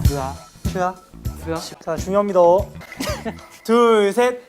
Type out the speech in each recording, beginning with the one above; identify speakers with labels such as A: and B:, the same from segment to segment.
A: 트야. 자, 중요합니다. 둘, 셋.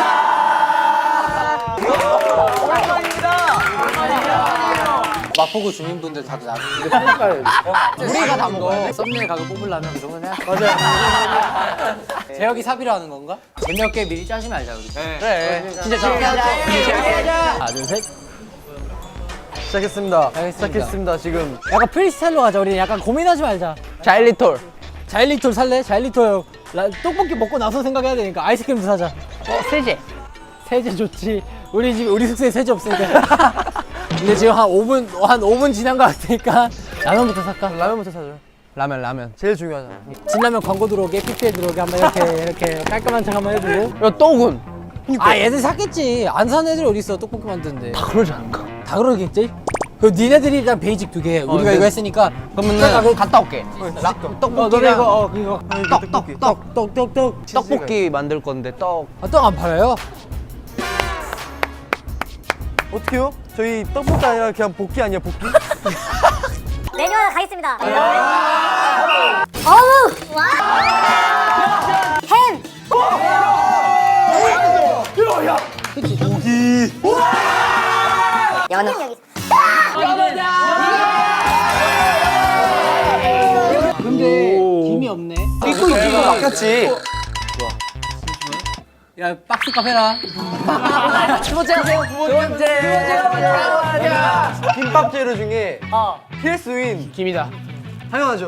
B: 마포구 주민분들 다들 나중에 우리가 다 먹어. 썸네일 각을 뽑으려면 그 정도는 해야 돼.
A: 맞아요.
B: 재혁이 사비로 하는 건가? 재미없게 미리 짜지 말자 우리. 그래. 진짜 재밌게 하자. 하나 둘 셋.
C: 시작했습니다.
B: 시작했습니다.
C: 지금.
B: 약간 프리스타일로 가자. 우리 약간 고민하지 말자.
C: 자일리톨.
B: 자일리톨 살래? 자일리톨 떡볶이 먹고 나서 생각해야 되니까 아이스크림도 사자.
C: 세제.
B: 세제 좋지. 우리 집 우리 숙소에 세제 없으니까. 근데 지금 한 5분 지난 것 같으니까 라면부터 살까?
C: 라면부터 사죠. 라면. 제일 중요하잖아.
B: 진라면 광고 들어오게 PPL 들어오게 한번 이렇게 깔끔한 척 한번 해주고.
C: 야, 떡은?
B: 아 얘들 샀겠지. 안 산 애들이 어디 있어? 떡볶이 만드는데.
C: 다 그러지 않을까?
B: 다 그러겠지? 그 니네들이 일단 베이직 2개. 우리가 이거 했으니까.
C: 그러면은 갔다 올게.
B: 너네 이거 이거 떡.
C: 떡볶이 만들 건데 떡.
B: 아, 떡 안 팔아요?
C: 어떻게요? 저희 떡볶이 아니라 그냥 볶기 아니야, 볶기?
D: 메뉴 하나 가겠습니다. 어우! 와! 햄! 연어.
B: 근데 김이 없네.
C: 이거 막혔지.
B: 야 박스값 해라.
C: 두 번째 하세요, 두 번째. 김밥 재료 중에 필수인 김이다. 당연하죠.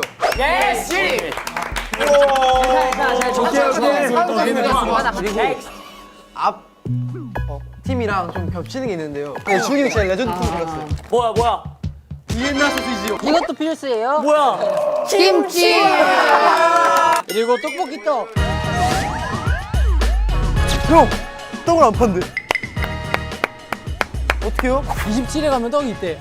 C: 그리고 앞 팀이랑 좀 겹치는 게 있는데요. 준이는 진짜 레전드 팀 생겼어요.
A: 뭐야?
C: 비엔나 소시지요.
B: 이것도 필수예요.
A: 뭐야?
B: 김치. 그리고 떡볶이 떡.
C: 형! 떡을 안 판대. 어떡해요?
B: 27에 가면 떡이 있대.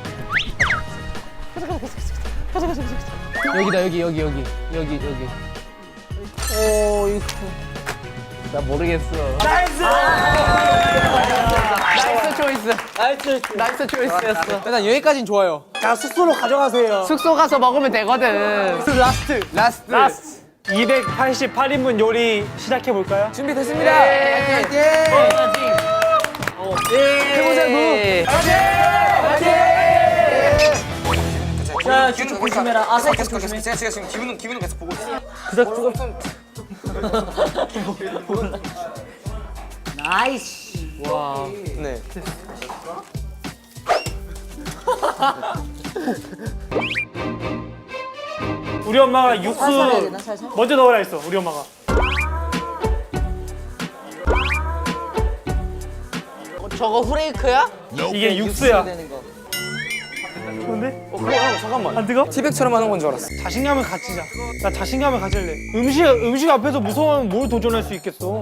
B: 여기다 여기.
C: 이거. 나 모르겠어. 나이스 초이스였어.
B: 일단 여기까진 좋아요.
A: 자, 숙소로 가져가세요.
C: 숙소 가서 먹으면 되고. 라스트.
A: 288인분 요리 시작해 볼까요?
C: 준비됐습니다.
A: 자, 쭉쭉 조심해라. 아사히 조심해.
E: 제가 지금 기분은 계속 보고 있어요.
B: 나이스.
C: 네.
A: 우리 엄마가 육수 먼저 넣으라 했어. 우리 엄마가.
C: 저거 후레이크야?
A: 이게 육수야. 좋은데?
E: 잠깐만.
A: 안 뜨거?
E: 티백처럼 하는 건 줄 알았어.
A: 자신감을 갖추자. 나 자신감을 가질래. 음식 앞에서 무서우면 뭘 도전할 수 있겠어?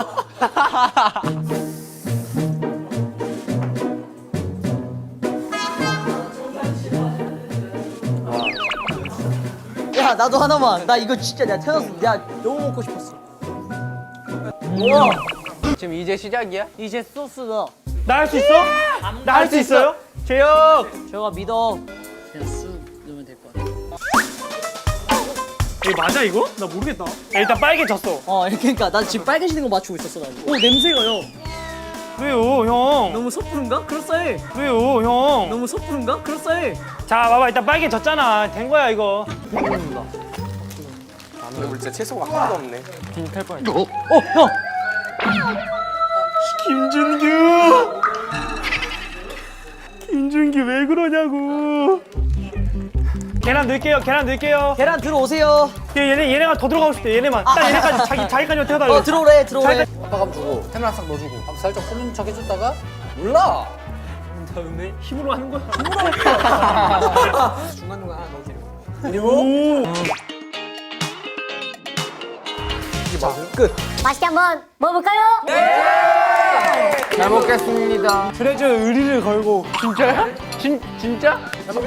F: 야 나도 하나만. 나 이거 진짜 내가 태어나서 내가 너무 먹고 싶었어. 우와.
C: 지금 이제 시작이야?
F: 이제 소스다.
A: 나 할 수 있어? 나 할 수 있어요? 재혁!
F: 저가 믿어.
B: 그냥 쑥 넣으면 될 것 같아.
A: 이거 맞아 이거? 나 모르겠다. 야, 일단 빨개졌어.
F: 그러니까 난 지금 빨개지는 거 맞추고 있었어 나. 오 냄새가요.
A: 왜요 형?
F: 너무 섣부른가? 그럴싸해.
A: 왜요 형?
F: 너무 섣부른가? 그럴싸해.
A: 자 봐봐 일단 빨개졌잖아. 된 거야 이거.
E: 근데 우리 진짜 채소가 하나도 없네.
F: 형.
A: 김준규 왜 그러냐고. 계란 넣을게요.
F: 계란 들어오세요.
A: 얘네가 더 들어가고 싶대. 얘네만. 딱 얘네까지 자기까지만 태워달래.
F: 들어오래.
B: 아빠감 주고 테마 싹 넣어주고 한번 살짝 풀린 척 해줬다가 몰라.
A: 다음에 힘으로 하는 거야.
B: 중간중간 하나 넣어주고.
A: 오.
D: 맛있게 한번 먹어볼까요?
C: 잘 먹겠습니다.
A: 트레저 의리를 걸고.
C: 진짜야? 진짜?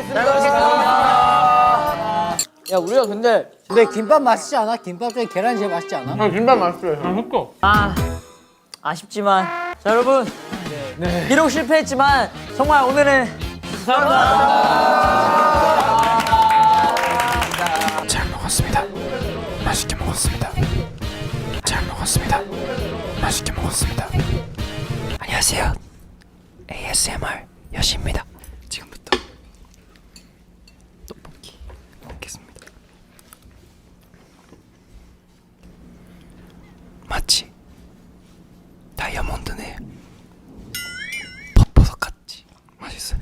B: 야 우리가 근데 김밥 맛있지 않아? 김밥 중에 계란이 제일 맛있지 않아?
C: 김밥 맛있어요.
A: 먹고.
F: 아쉽지만 자 여러분 비록 실패했지만 정말 오늘은
E: 잘 먹었습니다. 먹었습니다. 맛있게 먹었습니다. 잘 먹었습니다. 맛있게 먹었습니다. 안녕하세요. ASMR 여시입니다. 지금부터 떡볶이 먹겠습니다. 마치 다이아몬드네. 버섯 같지. 맛있어요.